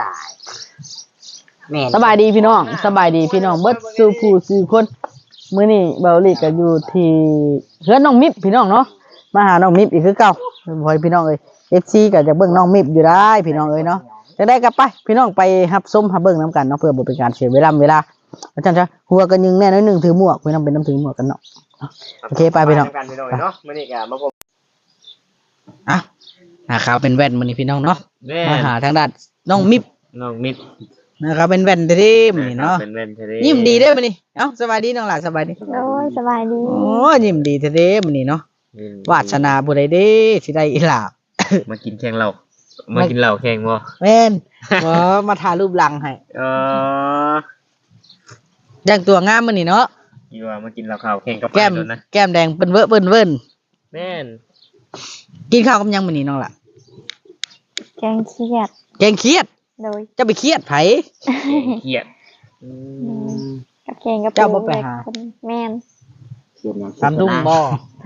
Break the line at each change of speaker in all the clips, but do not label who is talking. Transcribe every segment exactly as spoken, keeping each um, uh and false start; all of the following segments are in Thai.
ายแม่
สบายดีพี่น้องสบายดีพี่น้องเบิดสู่ผู้สู่คนมื้อนี้เบาหลีก็อยู่ที่เฮือนน้องมิบพี่น้องเนาะมาหาน้องมิบอีกคือเก่าบ่ให้พี่น้องเอ้ย เอฟ ซี ก็จะเบิ่งน้องมิบอยู่ได้พี่น้องเอ้ยเนาะจะได้กลับไปพี่น้องไปรับชมรับเบิ่งนํกันเนาะเพื่อบ่เป็นการเสียเวลาเวลาอาจารย์จ้ะหัวกันยิงแน่น้อยนึงถือหมวกพี่น้องเป็นน้ำถือหมวกกันเนาะโอเคไปพี่น้องกันพี่น้องเนาะมื้อนี้ก็มาพบอ่ะนะครับเป็นแว่นมื้อนี้พี่น้องเนาะมาหาทางด้านน้องมิบ
น้องมิด
นะครับเป็นแว่นเท่ๆมื้อนี้เนาะ
เป็นแว่นเท่
ยิ้มดีเด้อมื้อนี้เอ้าสบายดีน้องหลานสบายดี
โอ้ยสบายดี
โอ้ยิ้มดีเท่ๆมื้อนี้เนาะวาสนาผู้ใดเด้สิได้อีหลาบ
มากินแข่งเหล้ามากินเหล้าแข่งบ่
แม่นบ่มาถ่ายรูปหลังให้
เออ
แต่งตัวงามมื้อนี้เนาะ
อยู่ว่ามากินเหล้าขาวแข่งกับ
แก้ม
นะ
แก้มแดงเปิ้นเว้อเปิ้นเวิ้น
แม่น
กินข้าวกับหยังมื้อนี้น้องล่ะ
แกงเครียด
แกงเครียด
โดย
จะไปเครียดไผ
เครียดอื
มกับแกงกับ
เจ้าบ่ไปหา
แม่น
เขียนอย่าง
ตามทุ่งบ่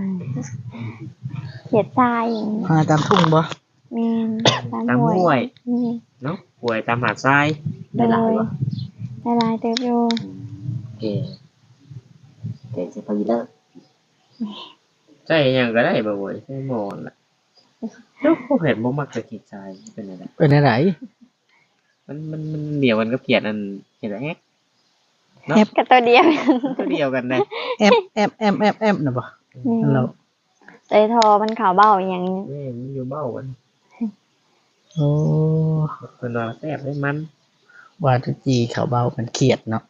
เขียดทราย
หาตามทุ่งบ่
แม่น
ตามห้วย
นี่
เนาะห้วยตามหาดทราย
ได้หลายบ่ได้หลายเติบอยู่
เก๋เก๋สิพอดีเด้อ
ใช่หยังก็ได้บ่โว้ยใช่หมอนล่ะเจ้าผู้เห็นบ่มักจะขีดทรายเป็นอะไร
เป็นอะไร
มันมันมันเดียวกันกับเขียดอันเขียดแอ๊ก
เนาะกับตัวเดียว
ตัวเดียวกันได้
แอมแอมแอมแอมแอมน่ะบ่เรา
ใจทอมันขาวเบ้าอย่างนี้
แม่มันอยู่เบ้ากัน
โอ้
เพิ่นว่าแซ่บได้มัน
ว่าจะจีเขาเบามันเครียดเนาะ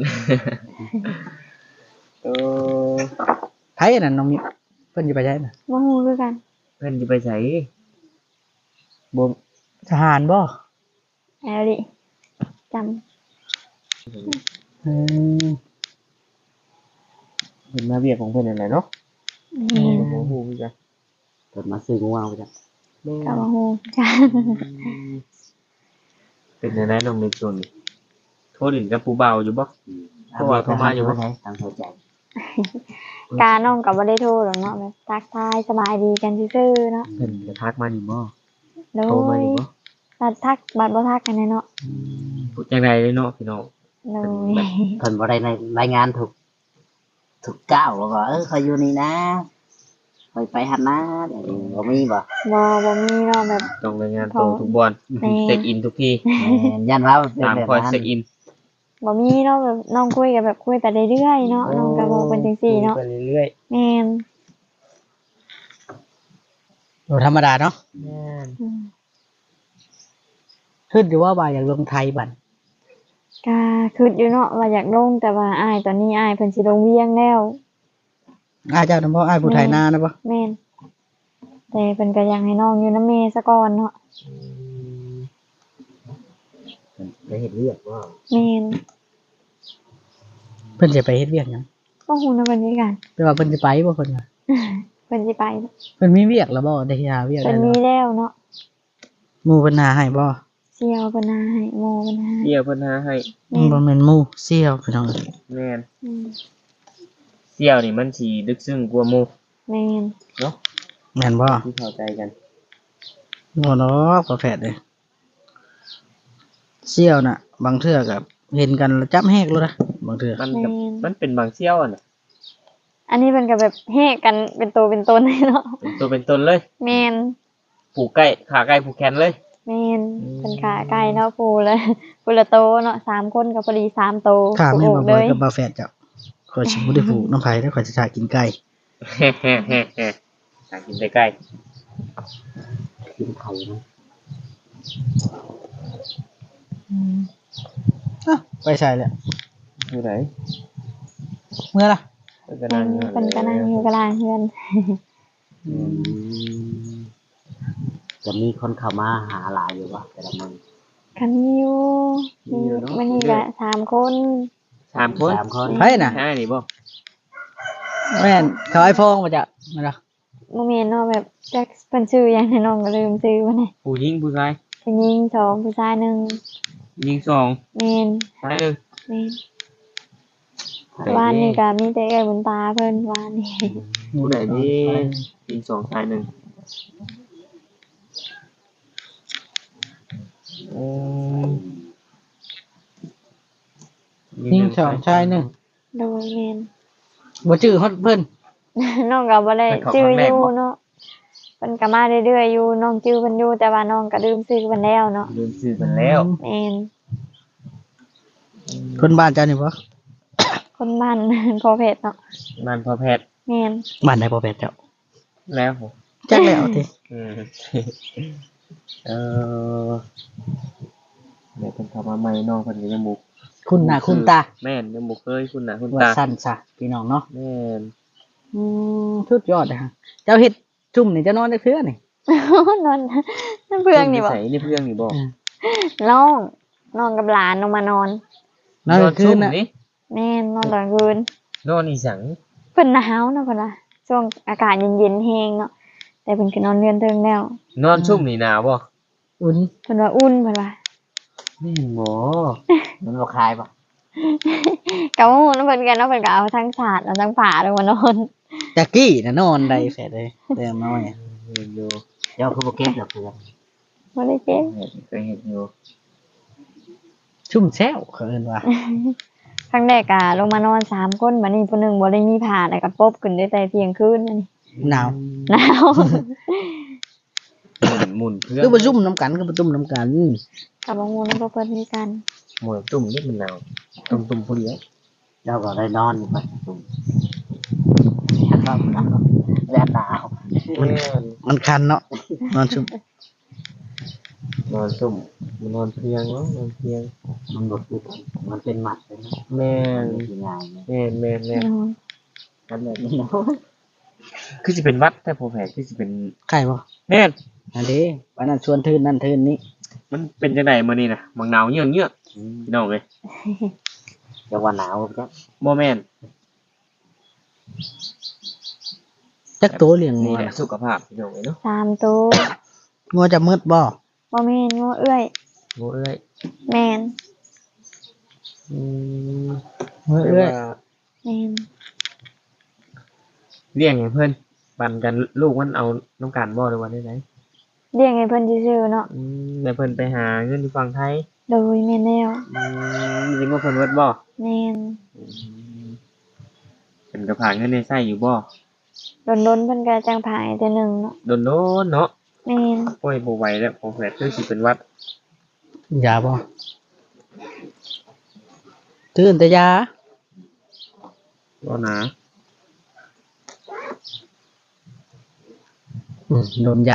เออ
ไผนั่นน้องมิเพิ่นสิไปไสน่ะ
บ่ฮู้คือกัน
เพิ่นสิไปไสบ่
ทหารบ่
แอลลิจำ
อืม
เห็นมาเวียกของเพิ่นนั่นแหละเนาะ
อืม
บ่ฮู้คือกัน
เปิดมาซื้องูเอาจ้ะ
ก็บ่ฮู้จ้ะ
เป็นจังได๋น้องมิช่วงนี้โทรดินกับผู้เบาอยู่บ่เพราะว่าเขามาอยู่บ่
ทางเข้าใจ
กาน้องก็บ่ได้โทรหรอกเนาะแบบทักทายสบายดีกันซื่อๆเนาะ
เพิ่นจะทักมาอยู่บ่
โทรมาอยู่บ่บัดทักบัดบ่ทักกันเนาะ
พูดจังได๋เนาะพี่น้อง
โดย
เพิ่นบ่ได้ในรายงานถูกถูกก้าวว่าเออเขาอยู่นี่นะคอยไปหันนะเดี๋ยวบ่มีบ่
บ่บ่มีเนาะแบบ
ต้องรายงานตัวทุกบอนเช็คอินทุกที่
ยันว่า
ตามคอยเช็คอิน
บ่มีเนาะแบบน้องคุยกันแบบคุยไปเรื่อยๆเนาะน้องก็บอกเป็นจังซี่เนาะ
ไปเรื่อย
ๆแม่น
โอ้ธรรมดาเนาะแม่นขึ้นอยู่ว่าว่าอยากลงไทยบัด
ก็คิดอยู่เนาะว่าอยากลงแต่ว่าอ้ายตอนนี้อ้ายเพิ่นสิลงเวียงแล้ว
อ้ายเจ้านำบ่อ้ายผู้ไทยนานะบ่
แม่นแต่เพิ่นก็อยากให้น้องอยู่นำแม่ซะก่อนเนาะ
ไปเฮ็ดเวียกบ่
แม่น
เพิ่นสิไปเฮ็ดเวียกหยัง
บ่ฮู้นะเพิ่นคือกัน
แต่ว่าเพิ่นสิไปบ่เพิ่นว่า
เพิ่นสิไป
เพิ่นมีเวียกแล้วบ่ได้หาเวียก
ได้เพิ่นมีแล้วเนาะ
หมู่เพิ่นหาให้บ่
เสี่ยวเพิ่นหาให้โมเพิ่นหา
เสี่ยวเพิ่นหาให้
บ่แม่นหมู่เสี่ยวพี่น้อง
แม่นเสี่ยวนี่มันสิลึกซึ้งกว่าหมู่
แม่น
เนาะ
แม่นบ่
ที่เข้าใจกัน
บ่เนาะบ่แฟดเด้เสี่ยวน่ะบางเทื่อก็เห็นกันแล้วจับแฮกเลยนะบางเทื่อ
มันก็มันเป็นบางเสี่ยวอ่ะน่ะ
อันนี้เพิ่นก็แบบแฮกกันเป็นตัวเป็นตนเลยเนาะ
เป็นตัวเป็นตนเลย
แม่น
ผูกใกล้ขาใกล้ผูกแขนเลย
แม่นเพิ่นขาใกล้เนาะปูเลยปูละโตเนาะสามคนก็พอดีสามโต
ขาแม่บ่บ่กับบ่แฟดจ้ะขอยสิบ่ได้ผูกน้ำไผแล้วขอยสิถ่ายกินไก่
ถ่ายกินไก่
กินไข่นะ
อืมอ่ะไปใส่แล้ว
อยู่ไหน
เมื่อล่ะ
เพิ่นก็นั่งเพิ่นก็นั่งอยู่กลางเฮือน
อืมจะมีคนเข้ามาหาหลายอยู่บ่แต่ละมื้อ
คันมีอยู่มีมื้อนี้ก็สามคน
สามคน
สามคน
ไผน่ะ
ใช่นี่บ่
แม่นเขาไอ้พงมาจ้ะมาล่ะ
บ่แม่นเนาะแบบจักเพิ่นชื่อหยังน้องก็ลืมชื่อมันน่ะ
ผู้หญิงผู้ชาย
ผู้หญิงสองผู้ชายหนึ่ง
หญิงสอง
แม่น
ชายหนึ่ง
แม่นวานนี้ก็มีแต่เอ้ยบุญตาเพิ่นวานนี้
ผู้ใดนี่หญิงสองชายหนึ่งอืม
สองชายหนึ่ง
โดยแม่น
บ่ชื่อฮอดเพิ่น
น้องก็บ่ได้จื้ออยู่เนาะเพิ่นก็มาเรื่อยๆอยู่น้องจื้อเพิ่นอยู่แต่ว่าน้องก็ลืมชื่อเพิ่นแล้วเนาะ
ลืมชื่อมันแล้ว
แม่น
คนบ้านเจ้านี่บ่
คนบ้าน พอเพชรเนาะ
มันพอแพทย์
แม่น
บ้านใดบ่แปดเจ้า
แล้ว
จักแล้วติ
อืมเออเดี๋ยวเพิ่นเข้ามาใหม่น้องเพิ่นก็ยังบ่
คุณหน้าคุณตา
แม่นยังบ่เคยคุณหน้าคุณ
ว่า
ตา
สั้นซะพี่น้องเนาะ
แม่น
อืมสุดยอดเลยฮะเจ้าเฮ็ดจุ่มนี่เจะนอนได้เทื่อนี่
นอนนั่นเพื่อนนี่บ่
ใส่นี่เพื่อนนี่บ่
น้องน้องกับหลานลงมานอน
นอนกลางคืนน่ะ
นี่
แม่นนอนตอนคืน
นอนอีสัง
เพิ่นหนาวเนาะเพิ่นว่าช่วงอากาศเย็นๆแฮงเนาะแต่เพิ่นก็นอนเรือนเทิงแล้ว
นอนชุ่มนี่หนาวบ่
อุ่น
เพิ่นว่าอุ่นเพิ่นว่า
แม่นบ่
มันบ่คลายบ่
ก็ฮู้นำเพิ่นกันเนาะเพิ่นก็เอาทั้งสาดเอาทั้งผ้าลงมานอน
ตะกี้น่ะนอนได้แฟดเลยแต่น้อยอะ
เห็นอยู่
เจ้าคือบ่เก็บดอกเพื่อน
บ่ได้เจ็บ
เห็นเคยเห็นอยู่
ชุ่มแซวเขาเอิ้นว่า
ครั้งแรกก็ลงมานอนสามคนบัดนี้ผู้หนึงบ่ได้มีผ้าแล้วก็ปบขึ้นได้แต่เที่ยงคืนอันนี้
หนาว
หนาว
หมุนหมุนเพื่อน
คือบ่จุ่มน้ำกันคือบ่จุ่มน้ำกัน
กับบ่ฮู้นำเพิ่นมีกัน
หมุนตุ่มนี่มันหนาวตุ่มตุ่มผู้เดียว
เจ้าก็ได้นอนอยู่บัดซุ่มครับแดดหนาว
แม่น
มันคันเนาะนอนชุ่ม
นอนตุ่มนอนเพียงเนาะนอนเพียง
มันบ่คือกันมันเป็นหมัดเลยนะ
แม่
มัน นสิง่ายนะ
แม่นแม่นแม่น
นอน
กันเลย
นี่เนาะ
คือสิเป็นวัดแต่ผมแผลคือสิเป็น
ไข่บ่
แม่น
อันนี้วันนั้นชวนทื่นนั่นทื่นนี้
มันเป็นจังไดมื้อนี้น่ะมังหนาวเยือกเยือกพี่น้องเอ้ย
เจ้าว่าหนาวจ้ะ
บ่แม่น
จักตัวเลี้ยงงั
นี่
ว
แหละ
น่ะ
สุขภาพพี่น้องเอ้ยเนาะ
สามตัว
งัวจะมืดบ่
บ่แม่นงัวเอื้อย
โอ้เอ้ย
แม่น
อืม
มือเอ้ย
แต่ว่า
แม่น
เลี้ยงให้เพิ่นปันกันลูกมันเอาน้ำกันบ่หรือว่าได้ไหน
เลี้ยงให้เพิ่นซื่อๆเนาะ
อืมแล้วเพิ่นไปหาเงินอยู่ฝั่งไทย
โดยแม่นแล้ว
อืมจริงว่าเพิ่นเวิดบ่
แม่น
อืมเพิ่นก็ผ่านเงินในไส้อยู่บ่
โดนๆเพิ่นก็จังผายแต่หนึงเนาะ
โดนโดนเนาะ
แม่น
โอ้ยบ่ไหวแล้วผมแผลคือสิเป็นหวัด
ยาบ่ตื่นแต่ยา
บ่หนา
อืมโดนยา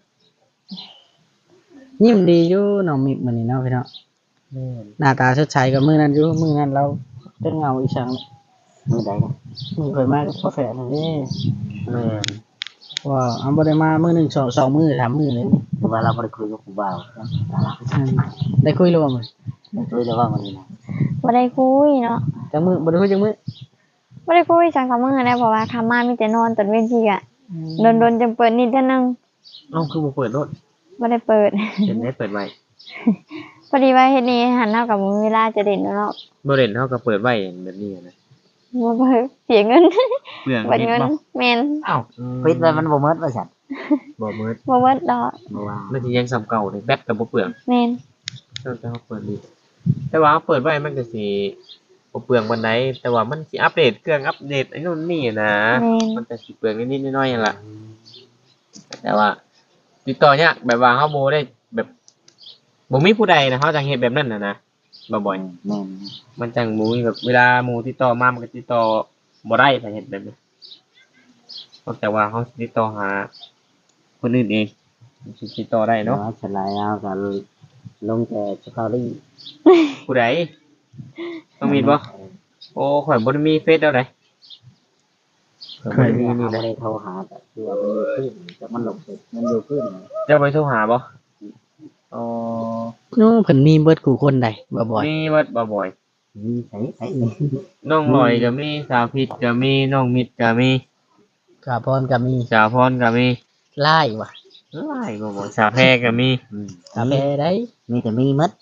ยิ้มดีอยู่น้องมิกมื้อนี้เนาะพี่น้อง
แม่น
หน้าตาสดใสกับมื้อนั้นอยู่มื้อนั้นเราเป็นเงาอีสัง
มื้อใดนะ
มื้อเคยมากับกาแฟนั่นเด้
แม่น
ว่าเอาบ่ได้มามื้อหนึงสองสองมื้อสามมื้อเลยนี่
คือว่าเราบ่ได้คุยกับผู้บ่าวนะ
อืมได้คุยแล้วบ่มื้อ
ได้คุยแล้วว่ามื้อนี้นะ
บ่ได้คุยเนาะ
จังมื้อบ่ได้คุยจังมื้อ
บ่ได้คุยจังกับมื้อนะเพราะว่าคำมามีแต่นอนตอนเว้นทีอ่ะโดนๆจังเปิดนิดเท่านึง
เอ้าคือบ่เปิดรถ
บ่ได้เปิด
เป็นได้เปิดไว้
พอดีว่าเฮ็ดนี้หันเฮากับบ่มีเวลาจะเด่นเนาะ
บ่เล่นเฮาก็เปิดไว้แบบนี้นะ
บ่เปิดเสียเงิน
เรื่อง
เบิด
นิด
เงิน
บ่
แม่น
อ้าว
ปิดไว้มันบ่หมดว่าซั่น
บ่มืด
บ่เบิดดอก
บ่ว่า
มันสิยังซ้ำเก่าเลยแบตก็บ่เปลือง
แม่น
แต่เฮาเปิดดีแต่ว่าเฮาเปิดไว้มันก็สิบ่เปลืองปานใดแต่ว่ามันสิอัปเดตเครื่องอัปเดตไอ้นู่นนี่นะ
แม่น
มันก็สิเปลืองนิดๆน้อยๆนั่นล่ะแต่ว่า ติดต่อยากแบบว่าเฮาบ่ได้แบบบ่มีผู้ใดนะเฮาจังเฮ็ดแบบนั้นน่ะนะบ่บ่อย
แม่น
มันจังบ่มีแบบเวลาหมู่ติดต่อมามันก็ติดต่อบ่ได้ถ้าเฮ็ดแบบนี้นอกจากว่าเฮาสิติดต่อหาคนอื่นเองสิติดต่อได้เนาะ
เนาะฉลายเอาก็ลงแต่สตอรี่
ผู้ใดต้องมีบ่โอ้ข่อยบ่ได้มีเฟซแล้วไดข่อยบ่ได้มี
นี่
นี่
บ่
นะ
ได้โทรหาแต่คือว่ามันอยู่ขึ้นแต่มันหลบมันอยู่ขึ้น
เจ้าไปโทรหาบ่อ๋อ
โน้เพิ่นมีเบิดกูคนใดบ่บ่อย
มีวัดบ่บ่อย
มีใส่ใส่นี่
น้องลอยก็มีสาวพิษก็มีน้องมิตรก็มี
กาพรก็มี
สาวพรก็มี
ไล่ว่ะ
หลายบ่บ่สาวแพรก็มี
อืม
กาแฟได้
มีแต่มีหมด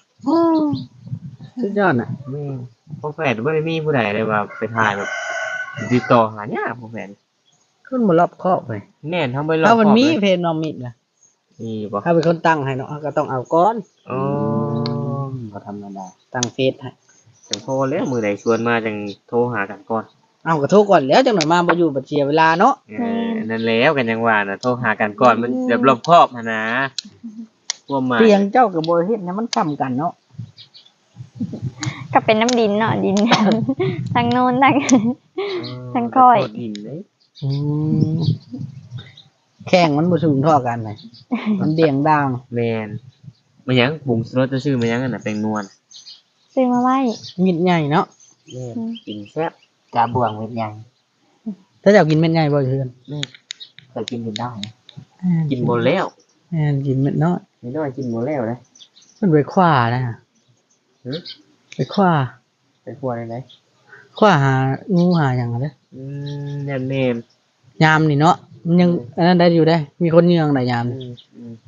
สุดยอดน่ะ
มีพวกแฟนบ่ได้มีผู้ใดเลยว่าไปถ่ายแบบติดต่อหายากพวกแฟน
คนบ่รอบคอบเลย
แน่นทั้งไปรอบ
ถ้ามันมี
ครอบ
เพจน้องมิกล่ะ
เลยมีบ่
ถ้าเป็นคนตั้งให้เนาะก็ต้องเอาก่อน
อ๋อ
บ่ธรรมดา
ตั้งเฟซให้
แจังโทรแล้วมือใดชวนมาจังโทรหากันก่อน
เอาก็โทรก่อนแล้วจังหน่อยมาบ่อยู่บัดเสียเวลาเนาะ
เออนั่นแล้วกันยังว่าน่ะโทรหากันก่อนมันแบบรอบคอบหั่นนะความหมาย
เตียงเจ้าก็บ่เฮ็ดให้มันซ้ำกันเนาะ
ก็เป็นน้ำดินเนาะดิน ทางโน้นทาง ทั้งค่อย
โทษดินเลย
อืมแข้งมันบ่สูงเท่ากันเลยมันเดี่ยงด่าง
แมนมันหยังบุงสรสจะชื่อมันหยังอันน่ะแปลงนวล
ซื้อมาไว้
มิดใหญ่เนาะ
แม่นกินแซ่บ
กาบวงเม็ดใหญ่
ถ้าเจ้ากินเม็ดใหญ่บ่เทื่อน
เคยกินอยู่ได้
กินหมดแล้ว
แม่นกินเม็ดน้อย
ไม่น้อยกินหมดแล้วเลย
มันไปคว้านะ
หึ
ไปคว้า
ไปครัวได้ไหน
คว้าหางูหาหยังอะเด้อ
อืมแน่นแนม
ยามนี่เนาะมันยังอันนั้นได้อยู่ได้ มีคนเยืองได้ยาม
อื
นี่
มอืม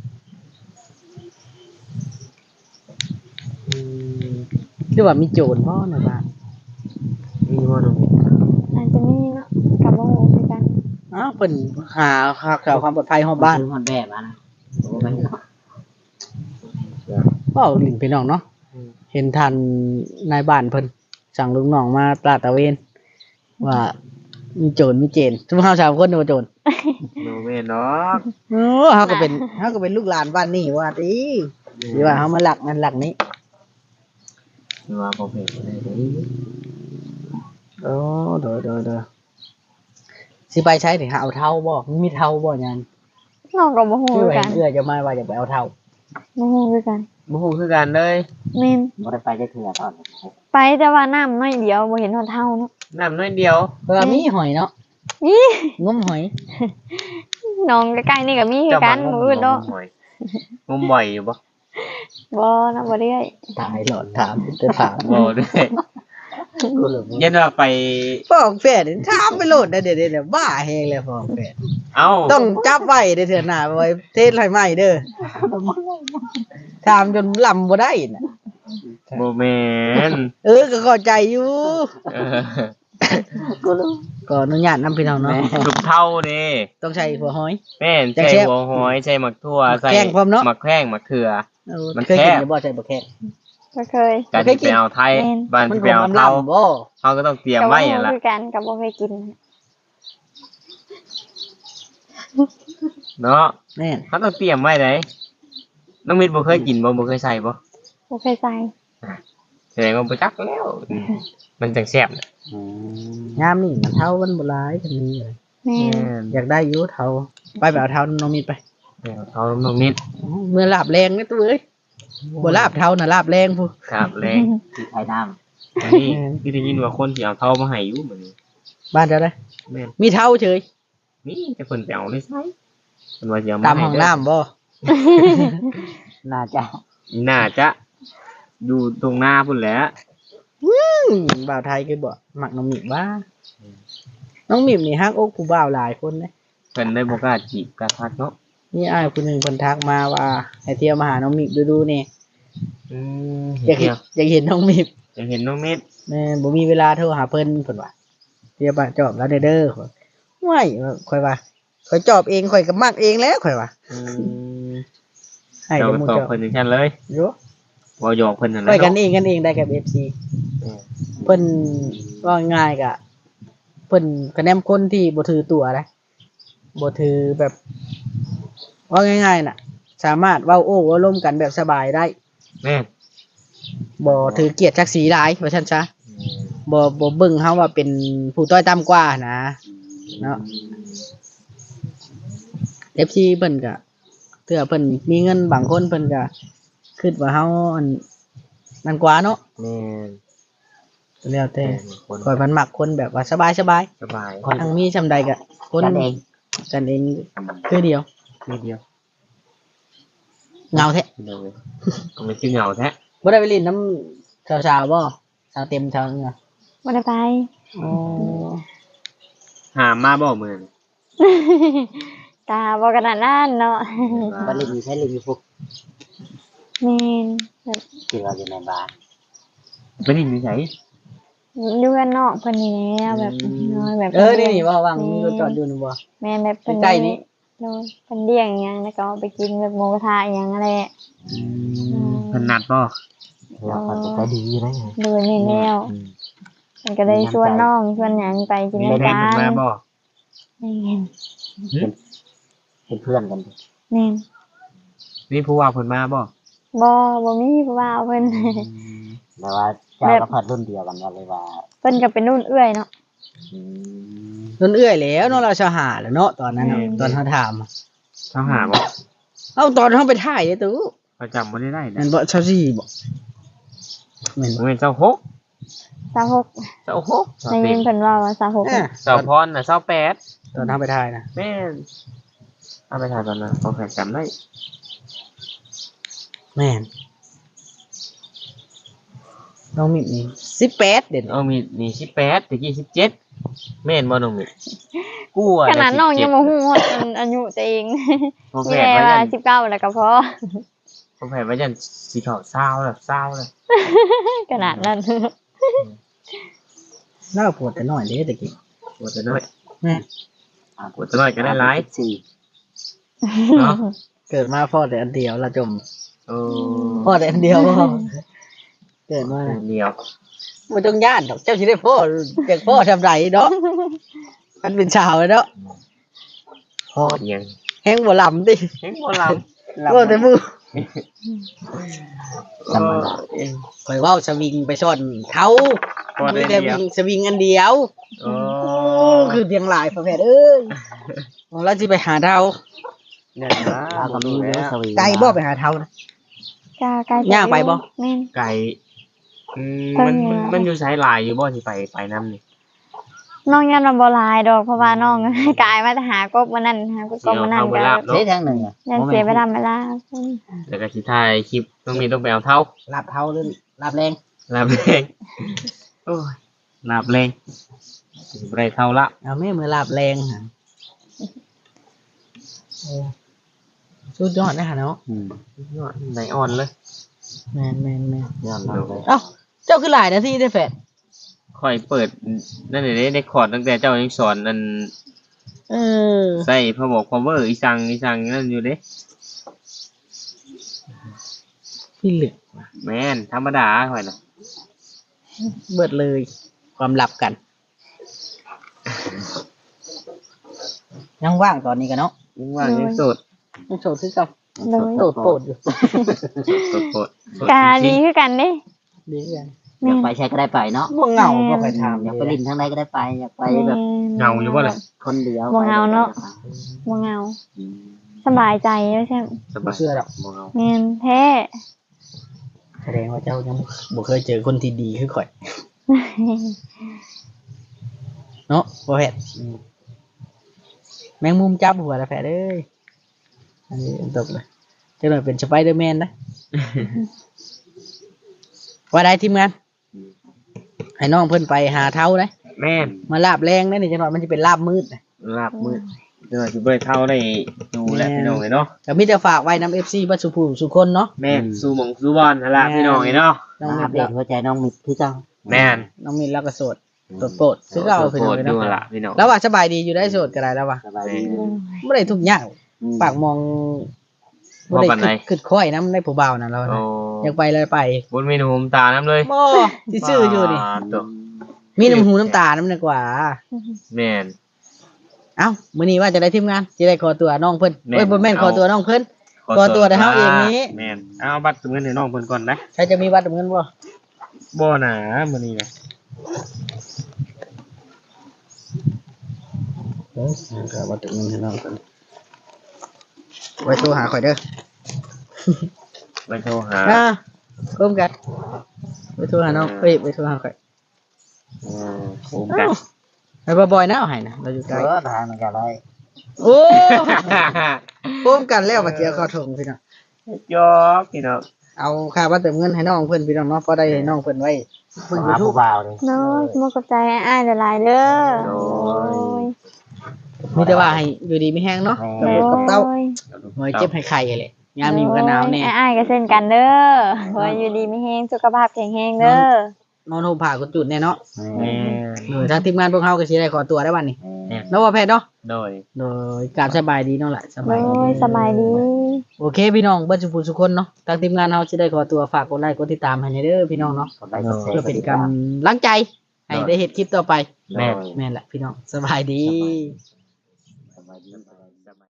อืม
หรือว่ามีโจรบ่ในบ้าน
มีบ่น้องพี่
อาจจะมีเนาะกับโมโหคือกัน
อ้าวเพิ่นหาหาข่าวความปลอดภัยของบ้าน
ซื้อฮอดแบบมานะโอ้แม่นเนาะ
เว้าลิ้นพี่น้องเนาะ
อืม
เห็นทันนายบ้านเพิ่นสั่งลูกน้องมาตราดตระเวน ว่ามีโจรมีเจนทุกเฮาสามคนนี่ว่าโจร
โนแม่นเนาะ
เออเฮาก็เป็นเฮาก็เป็นลูกหลานบ้านนี้ว่าติสิว่าเฮามาหลักนั่นหลักนี้
คือว่าบ่เป็นได้เด้
โอ้เด้อเด้อเด้อสิไปใช้นี่หาเอาเท่าบ่มีเท่าบ่ยัน
น้องกับโมโห
คือ
คือ
ว่า
กั
เห็
น
นเอื้อจะมาว่าจะไปเอาเท่า
โมโหคือกัน
บ่ฮู้คือกันเลย
แม่น
บ่ได้ไปจักเทื่อตอนนั้น
ไปแต่ว่าน้ำน้อยเดียวบ่เห็นหอดเท่าเนาะ
น้ำน้อยเดียว
เออมีหอยเนาะ
นี่
งมหอย
น้องใกล้ๆนี่ก็มีคือกัน
เจ้า
มื
มา
ออื่นเนาะ
งมบ่อยงมบ่อยอยู่บ่
บ่นะบ่ได้
ตายหลอดถามจะถาม
บ่ด้วย
กูเลย
ยันว่าไป
ฟ้องแฟนนี่ถามไปโลดได้เด้อเด้อบ้าแฮงเลยฟ้องแฟน
เอ้า
ต้องจับไว้เด้อเถื่อหน้าไว้เทศให้ใหม่เด้อถามจนลำบ่ได้น่ะ
บ่แม่น
เออก็เข้าใจอยู่
เออ
กูรู้
ก็อนุญาตนำพี่น้องเนาะ
ลูกเท่านี่
ต้องใช้หัวหอย
แม่น
จัง
ใส่
แซ่บ
หัวหอยใส่หมักทั่ว
หมัก
ใส่
แข้งพร้อมเนาะ
หมักแข้งหมักเขือ
เออ
มัน
เคยกิน
แคบ
อยู่บ่ใช่บ่แค่
บ่เคย
การ
เคย
ที่
กิ
ไป
น
เอาไทย
แม่น
บ้าน
มัน
ที่
ค
ไป
ง
เอา
ลำ
เท่า
ลำบ่
เขาก็ต้องเตรียม
กับโม
ไว้
โห
อ่ะล่ะ
คือกันกับบ่เคยกิน
เนาะ
แม่น
เขาต้องเตรียมไว้ไหนน้องมิตรบ่เคยกินบ่บ่เคยใส่บ่
บ่เคยใส่
แสดงว่าบ่จักแล้วอืมมันจังแซ่บน่ะ
อืม
ยามนี่มันเท่ามันบ่หลายคันนี้เลย
แม่
แม่
น
น
อยากได้อยู่เท่าไปไปเอาเท่าน้องมิดไป
เอาเท่าน้องมิตร
เมื่อลาบแรงนะตัวเอ้ยบ่ลาบเท่าน่ะลาบแรงพู
ครับแรง
ที่ไทยน้ำ
อันนี้ที่ได้ยินว่าคนที่เอาเท่ามาให้อยู่เหมือนนี้
บ้านเจ้าได้
แม่น
มีเท่าเฉย
นี่แต่เพิ่นไปเอาได้ใส่เพิ่นว่าสิเอา
ตาม
ให้
ห้อง
เด้
น้ำบ่
น่าจะ
น่าจะอยู่ตรงหน้าพุ่นแหละ
อืมบ่าวไทยคือบ่มักน้องมิดว่าน้องมิดนี่ฮักอกผู้บ่าวหลายคนนะ
เพิ่นได้บ่กล้าจีบกล้าทักเนาะ
มีอ้ายคนหนึงเพิ่นทักมาว่าให้เที่ยวมาหาน้องมิดดูๆนี่
อืม
อยากเห็นอยากเห็นน้องมิด
อยากเห็นน้องมิตร
แม่บ่มีเวลาโทรหาเพิ่นเพิ่นว่าเที่ยวบ้านจอบแล้วเด้อเด้อไม่ค่อยว่าข่อยจอบเองข่อยก็มักเองแล้วข่อยว่า
อืม
ให้
เรา
เดี๋ยวหมู่
ตอบ
เจ้า
เพิ่นจังซั่นเลย
โย
บ่หยอกเพิ่นนั่นแห
ไป
ละ
กัน
เนาะ
เองกันเองได้กับ เอฟ ซี
เออ
เพิ่นว่าง่ายกะเพิ่นคะแนนคนที่บ่ถือตัวนะบ่ถือแบบว่าง่ายๆน่ะ สามารถเว้าโอ้เว้าร่วมกันแบบสบายได้
แม่น
บ่ถือเกียรติศักดิ์ศรีหลายว่าซั่นซะบ่บ่เบิ่งเฮาว่าเป็นผู้ต้อยต่ำกว่านะเนาะ เอฟ ซี เพิ่นก็เทื่อเพิ่นมีเงินบางคนเพิ่นก็คิดว่าเฮาอันนั่นกว่าเนาะ
แม่น
แล้วแต่
คน
ข่อยมันมักคนแบบว่าสบายๆ
สบาย
ทั้งมีซำใดก็คน
กันเอง
กันเองคือเดียว
นิดเดียว
เหงาแท้
เดียวเลยก็ไม่ชื่อเหงาแท้
บ่ได้ไปเล่นน้ำสาวๆบ่สาวเต็มสาวเหงา
บ่ได้ไป
อ๋อ
หามาบ่มื้อนี้
ตาบ่ขนาดนั้นเนาะ
บัลลินใช้ลิงอยู่พวก
แม่นแบบ
ที่เราอยู่ในบ้าน
ไปนี่มีไส
อยู่กันนอกเพิ่นนี่แหละแบบน้อยแบบ
เออนี่นี่ว่าว่างมีรถจอดอยู่นี่บ่
แม่นแบบเพิ่น
ใกล้ๆนี้
โดนเพิ่นเลี้ยงหยังแล้วก็เอาไปกินแบบหมูกระทะหยังอะไร
เพิ่นนัดบ่
เราก็จะดีเลย
โดยแม่นแล้ว
อืม
มันก็ได้ชวนน้องชวนหยังไปกิน
มี
น้ำ
แฟน
กั
เพิ่นมาน บ่
แม่น
เป็นเพื่อนกัน
แม่น
มีผู้ว่าเพิ่นมาบ่
บ่บ่มีผู้ว่าเพิ่น
แต่ว่าเจ้าก็พัดรุ่นเดียวกันว่าเลยว่า
เพิ่นก็เป็นรุ่นเอื้อยเนาะ
อืม
เพิ่นเอื้อยแล้วเนาะเราชาวหาแล้วเนาะตอนนั้นน่ะ
อืม
ตอนเฮาถามอะ
เขาหาบ่
เอ้าตอนเฮาไปถ่ายเด้อตู้
เขาจำบ่ได้ได้
นั่
นะ
นบ่ชาวสี่บ่แม่น
บ่
บ่
แม่นเจ้าหก
สาวหก
เจ้าหก
ได้ยินเพิ่นว่าว่าสาวหก
เอ้อ
เจ้าพรน่ะเจ้าแปด
ตอนเฮาไปถ่ายนะ
แม่นเอาไปถ่ายตอนนั้นเขาแข่งจำได้
แม่นน้องมิดนี่สิบแปดเด่น
เอามีนี่สิบแปดตะกี้สิบเจ็ดแม่นบ่น้องมิกูอ่ะ
ขนาดน้องยังบ่ฮู้ฮอดอันอายุตัวเอง
พอ
มี
แผน
แต่
ว่า
ว่า
ยัน
สิบเก้าแล้วก็พอ
พอแผนว่ายันสีขาวเศร้าแล้วเศร้าแล้ว
ขนาดนั้น
น่าปวดแต่น้อยเด้ตะกี้
ปวดจะน้อย
แม่
ปวดจะน้อยก็ได้หลาย
สี่
เนาะ
เกิดมาพ่อแต่อันเดียวละจม
โอ้
พ่อแต่อันเดียวพ่อเกิดมา
เดียว
บ่ต้องย่านดอกเจ้าสิได้พ่อจากพ่อทำไรเนาะมันเป็นชาวเลยเนาะ
พอยัง
แฮงบ่ลำติ
เห็นบ่ลำ
บ่แต่มือ
ธรรมดาเอง
ข่อยเว้าสวิงไปซ่อนเขา
พอได้
มีแต่
เดียว
วิ่งสวิงอันเดียว
โอ้
โอ้คือเพียงหลายพ่อแพทย์เอ้ยของเราสิไปหาเทา
เนี่ยนะ
เราก็มีเรื่องสวี
ไกลบ่ไปหาเทานะ
จ้าไกล
ย่างไปบ่
แม่น
ไก่อืม
เพิ่
มัน
น
มัน
เนี่ย
มันอยู่สายลายอยู่บ่ที่ไปไปน้ำนี่
น้องยันมันบ่หลายดอกเพราะว่าน้อง กายมาแต่หากบมื้อนั้นหากบมื้อนั้น
เอาไป
ก็
ลาบ เนอะ
เสียทางหนึ่งอ่ะ
ยันเสียเวลาเวลา
แต่ก็สิถ่ายคลิปต้องมีต้องไปเอาเท่า
ลาบเทาหรือลาบแรง
ลาบแรงโอ้ยลาบแรงสิบ่ได้เท่าละ
เอาแม่มือลาบแรงหาเออสุดยอดนะฮะเนาะ
อืม
ยอดไหนอ่อนเลย
แม่นแม่นแม่น
ยอมรับเลย
เอ้าเจ้าคือหลายนาทีได้แฟด
ค่อยเปิดนั่นเด้ได้คอร์ดตั้งแต่เจ้ายังสอนนั่น
เออ
ใส่พอบอก cover อีสังอีสังนั่นอยู่เด้
พี่เหลึก
แม่นธรรมดาค่อยน่ะ
เบิดเลย ความลับกัน ยังว่างตอนนี้กันเนาะ
ยังว่างยังโสด
ยังโสดคือเก่า
เลย
โสดโปรดอยู่
โสดโสดโสด
กา
จริ
ดี
ง
คือกันเด้
ดีกัน
อยากไปใช้ก็ได้ไปเนาะ
บ่เหงาบ่ไปถาม
อยากไปลินทางใดก็ได้ไป อยากไปแบบ
ๆเหงาอยู่บ่ล่ะ
คนเดียว
บ่เหงาเนาะบ่เหงา
อืม
สบายใจแล้วใช่ไหม
ส
บ่
บาย
เชื่อดอก
บ่เหงา
แม่นแท้
แสดงว่าเจ้ายังบ่เคยเจอคนที่ดีคือข่อย เนาะบ่แพทย์อืมแมงมุมจับหัวแล้วแพทย์เอ้ยอันนี้ตกเลยเจ้าหน่อยเป็นสไปเดอร์แมนนะ ว่าได้ทีมงานให้น้องเพิ่นไปหาเท้านะ
แม่น
มาลาบแรงนะนี่จังหน่อยมันจะเป็นลาบมืดนะ
ลาบมืดเดี๋ยวสิบ่ได้เท่าได้ดูแลพี่น้องเลยเนาะ
แต่มีแต่ฝากไว้นำ เอฟ ซี บัดสุภูสุคนเนาะ
แม่นสู้หมองสู้บอลหั่นล่ะพี่น้องเลยเนาะ
น้อง
มา
มิ
อั
ด
ปเด
แล้
ต
ว
หัวใจน้องมิดคือเจ้า
แม่น
น้องมิดแล้วก็โสดโสดโปรดซื้อเก่า
โส
เพิ่นเอา
ด
ไป
ดู
เนาะ
ล่ะพี่น้อง
แล้วว่าสบายดีอยู่ได้โสดก็ได้แล้วว่า
สบายดี
บ่ได้ทุกอย่าง
อืม
ปากมอง
ว่าปานใด
ขึ้นค่อยนำได้ผู้บ่าวน่ะเรา
โอ้
นะอยากไปเลยไป
บนเมนูผมตาน้ำเลย
บ่ซื่อๆอยู่นี่
ปาดตัว
มีน้ำหูน้ำตาน้ำดีกว่า
แม่น
เอ้ามื้อนี้ว่าจะได้ทีมงานสิได้ขอตัวน้องเพิ่น
แม่น
เอ้ยบ่แม่น
เอา
ขอตัวน้องเพิ่น ขอตัวแต่เฮาเองนี้
แม่นเอาบัตรเงินให้น้องเพิ่นก่อนนะ
ใครจะมีบัตรเงินบ่
บ่หนามื้อนี้นะ
เออก็บัตรเงินให้น้องเพิ่นไว้โทรหาข่อยเด้อ
ไปโทรหา
อ่าร่วมกันไว้โทรหาน้องเอ้ยไว้โทรหาข่อย
เออโอมกัน
ไอ้บ่อยๆนะเอาให้นะเราอยู่ไกล
เออทางมันก็ได้
โอ้ร่วมกันแล้วมาเจียวเข้าถงพี่น้อง
ยอกพี่น้อง
เอาค่าบัตรเติมเงินให้น้องเพิ่นพี่น้องเนาะพอได้ให้น้องเพิ่นไว้เพิ่น
หา
ยูทู
ผู้
บ
บ่าวเลย
น้อยมกับใจอ้ายๆหลายๆเด้อ
โอ้ย
มีแต่ว่าให้อยู่ดีมีแห้งเนาะ
โด
กับ
ย
ลูกกับเต้าหน่อยเจ็บให้ไข่เลยยามนี้มันก็หนาวแน่
อ้ายๆก็เช่นกันเด้อขอให้อยู่ดีมีแฮงสุขภาพแข็งแรงเด้อน
อนห่มผ้ากุจุดแน่เนาะ
แม่
โดยทางทีมงานพวกเฮาก็สิได้ขอตัวได้วันนี้
แม่
เนาะว่าแพทย์เนาะ
โดย
โดยการสบายดีเนาะล่ะส
โด
บายดี
ยสบายดี
โอเคพี่น้องเบิดสุขสุขคนเนาะทางทีมงานเฮาสิได้ขอตัวฝากกดไลค์กดติดตามให้ในเด้อพี่น้องเนาะ
กดไลค์กดแชร์
เพื่อเป็นกำลังใจให้ได้เฮ็ดคลิปต่อไป
แม่
แม่นแหละพี่น้องสบายดี
สบายดี